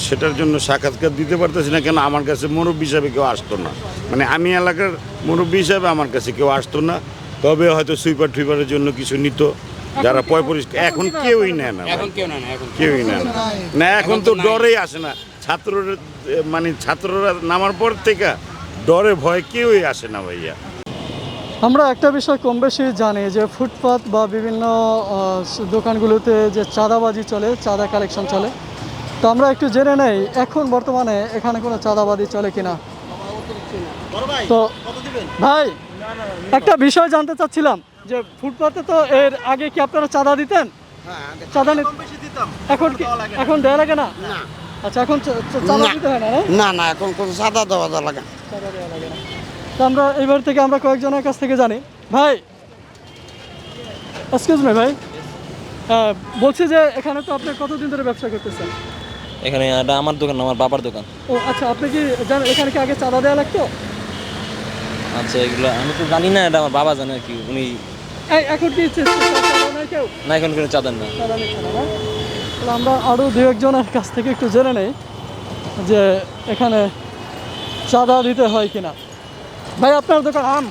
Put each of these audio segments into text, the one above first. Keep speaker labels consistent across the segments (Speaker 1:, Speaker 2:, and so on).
Speaker 1: সেটার জন্য সাক্ষাৎকার দিতে পারতেছি না। কেন আমার কাছে মুরব্বী হিসাবে কেউ আসতো না, মানে আমি এলাকার মুরব্বী হিসাবে আমার কাছে কেউ আসতো না। তবে হয়তো সুইপার টুইপারের জন্য কিছু নিত যারা পরিষ্কার। এখন কেউই নেয় না, কেউই নেয় না। না এখন তো ডরেই আসে না ছাত্ররা, মানে ছাত্ররা নামার পর থেকে ডরে ভয় কেউই আসে না ভাইয়া।
Speaker 2: আমরা একটা বিষয় কম বেশি জানি যে ফুটপাত বা বিভিন্ন দোকানগুলোতে যে চাঁদাবাজি চলে, চাঁদা কালেকশন চলে। তো আমরা একটু জেনে নেই এখন বর্তমানে এখানে কোনো চাঁদাবাজি চলে কিনা। তো ভাই একটা বিষয় জানতে চাচ্ছিলাম যে ফুটপাতে তো এর আগে কি আপনারা চাঁদা দিতেন? চাঁদা এখন কি এখন দেওয়া লাগে না? আচ্ছা, এখন চাঁদা দিতে হয় না?
Speaker 3: না না, এখন কোনো চাঁদা দেওয়া লাগে না।
Speaker 2: চাঁদা দেওয়া লাগে না। তো আমরা এইবার থেকে আমরা কয়েকজনের কাছ থেকে জানি। ভাই এক্সকিউজ মি ভাই, বলছি যে এখানে তো আপনি কতদিন ধরে ব্যবসা করতেছেন?
Speaker 4: এখানে এটা আমার দোকান, আমার বাবার দোকান।
Speaker 2: ও আচ্ছা, আপনি কি জানেন এখানে কি আগে চাঁদা দেওয়া লাগতো?
Speaker 4: আচ্ছা, এগুলো আমি তো জানি না, এটা আমার বাবা জানে আর কি। উনি
Speaker 2: এখন কি চাঁদা নেয় কেউ?
Speaker 4: না, এখন কোনো চাঁদার না।
Speaker 2: চাঁদা নিচ্ছে না, না? তাহলে আমরা আরও দু একজনের কাছ থেকে একটু জেনে নেই যে এখানে চাঁদা দিতে হয় কিনা। ভাই আপনার দোকান আম,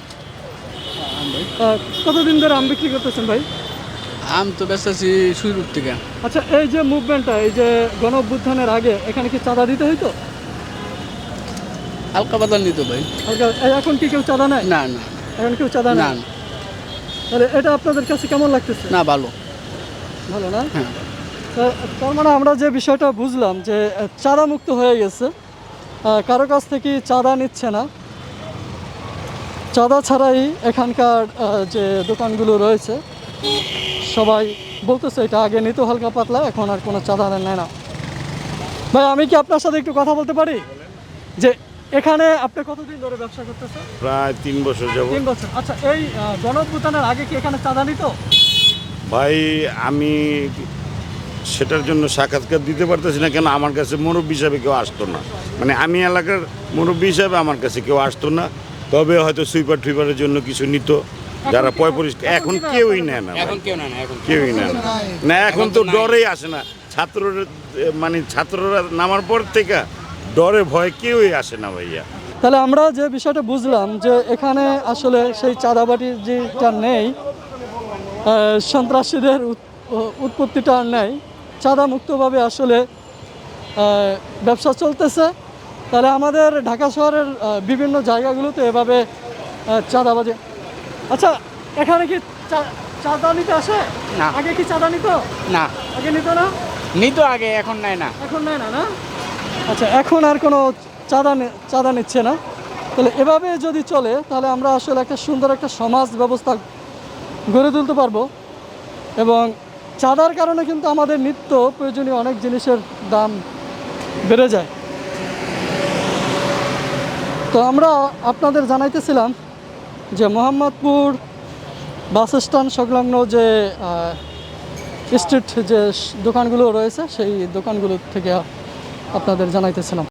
Speaker 2: কতদিন ধরে আম বিক্রি করতেছেন ভাই?
Speaker 5: আম তো ব্যস্ত আছি শুরুর থেকে।
Speaker 2: আচ্ছা, এই যে মুভমেন্টটা, এই যে গণ অভ্যুত্থানের আগে এখানে কি চাঁদা দিতে হইতো?
Speaker 5: হালকা পাতলা নিত ভাই।
Speaker 2: এখন কি কেউ চাঁদা নেয়?
Speaker 5: না না
Speaker 2: এখন কেউ চাঁদা
Speaker 5: না
Speaker 2: নেয়? তাহলে এটা আপনাদের কাছে কেমন লাগতেছে?
Speaker 5: না, ভালো।
Speaker 2: ভালো না?
Speaker 5: হ্যাঁ।
Speaker 2: তার মানে আমরা যে বিষয়টা বুঝলাম যে চাঁদা মুক্ত হয়ে গেছে, কারো কাছ থেকে চাঁদা নিচ্ছে না। চাঁদা ছাড়াই এখানকার যে দোকানগুলো রয়েছে সবাই বলতেছে এটা আগে নিত হালকা পাতলা, এখন আর কোনো চাঁদা নেয় না। ভাই আমি কি আপনার সাথে একটু কথা বলতে পারি? যে এখানে আপনি কতদিন ধরে ব্যবসা করতেছেন?
Speaker 1: প্রায় 3 বছর যাব।
Speaker 2: 3 বছর। আচ্ছা, এই গণঅভ্যুত্থানের আগে কি এখানে চাঁদা নিত?
Speaker 1: ভাই আমি সেটার জন্য সাক্ষাৎকার দিতে পারতেছি না। কেন আমার কাছে মুরব্বী হিসাবে কেউ আসতো না, মানে আমি এলাকার মুরব্বী হিসাবে আমার কাছে কেউ আসতো না। তবে হয়তো সুইপার টুইপারের জন্য কিছু নিত যারা পরিষ্কার। এখন কেউই নেয় না, কেউই নেয় না। না এখন তো ডরেই আসে না ছাত্ররা, মানে ছাত্ররা নামার পর থেকে ডরে ভয় কেউই আসে না ভাইয়া।
Speaker 2: তাহলে আমরা যে বিষয়টা বুঝলাম যে এখানে আসলে সেই চাঁদাবাটি যেটা নেই, সন্ত্রাসীদের উৎপত্তিটা আর নেই, চাঁদা মুক্তভাবে আসলে ব্যবসা চলতেছে। তাহলে আমাদের ঢাকা শহরের বিভিন্ন জায়গাগুলোতে এভাবে চাঁদাবাজি। আচ্ছা, এখানে কি চাঁদা নিতে আসে?
Speaker 5: না।
Speaker 2: আগে কি চাঁদা নিত?
Speaker 5: না,
Speaker 2: আগে নিত না?
Speaker 5: নিত আগে, এখন নেয় না।
Speaker 2: এখন নেয় না, না? আচ্ছা, এখন আর কোনো চাঁদা নিচ্ছে না। তাহলে এভাবে যদি চলে তাহলে আমরা আসলে একটা সুন্দর একটা সমাজ ব্যবস্থা গড়ে তুলতে পারবো। এবং চাঁদার কারণে কিন্তু আমাদের নিত্য প্রয়োজনীয় অনেক জিনিসের দাম বেড়ে যায়। তো আমরা আপনাদের জানাইতেছিলাম যে মোহাম্মদপুর বাস স্ট্যান্ড সংলগ্ন যে স্ট্রিট যে দোকানগুলো রয়েছে সেই দোকানগুলো থেকে আপনাদের জানাইতেছিলাম।